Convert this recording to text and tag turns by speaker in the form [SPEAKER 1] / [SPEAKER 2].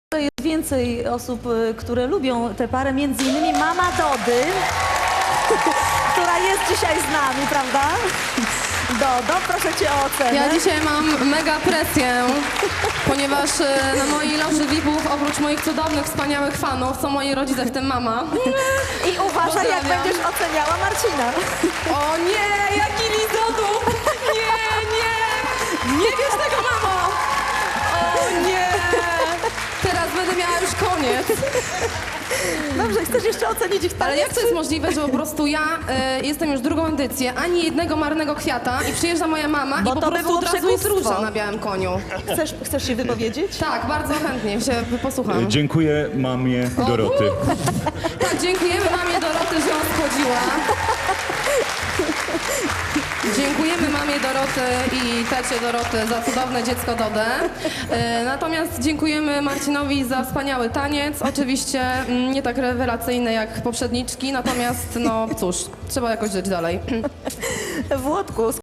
[SPEAKER 1] Jest więcej osób, które lubią tę parę, między innymi mama Dody, która jest dzisiaj z nami, prawda? Dodo, proszę cię o ocenę.
[SPEAKER 2] Ja dzisiaj mam mega presję, ponieważ na mojej loży VIP-ów oprócz moich cudownych, wspaniałych fanów są moi rodzice, w tym mama.
[SPEAKER 1] I uważaj, jak
[SPEAKER 2] Pozdrawiam.
[SPEAKER 1] będziesz oceniała Marcina.
[SPEAKER 2] O nie, jaki lizodu! Nie wiesz tego, mamo! O nie! Teraz będę miała już koniec.
[SPEAKER 1] Dobrze, chcesz jeszcze ocenić ich
[SPEAKER 2] Ale
[SPEAKER 1] taniec?
[SPEAKER 2] jak to jest możliwe, że po prostu ja jestem już drugą edycję, ani jednego marnego kwiata i przyjeżdża moja mama
[SPEAKER 1] Bo
[SPEAKER 2] i po
[SPEAKER 1] to by
[SPEAKER 2] prostu
[SPEAKER 1] było
[SPEAKER 2] od razu jest
[SPEAKER 1] przekupstwo.
[SPEAKER 2] róża na białym koniu.
[SPEAKER 1] Chcesz się wypowiedzieć?
[SPEAKER 2] Tak, bardzo chętnie się posłucham.
[SPEAKER 3] Dziękuję mamie Doroty.
[SPEAKER 2] Tak, dziękujemy mamie Doroty, że nas chodziła. Dziękujemy mamie Doroty i tacie Doroty za cudowne dziecko Dodę. Natomiast dziękujemy Marcinowi za wspaniały taniec. Oczywiście nie tak rewelacyjny jak poprzedniczki, natomiast no cóż, trzeba jakoś żyć dalej.
[SPEAKER 1] Włodku,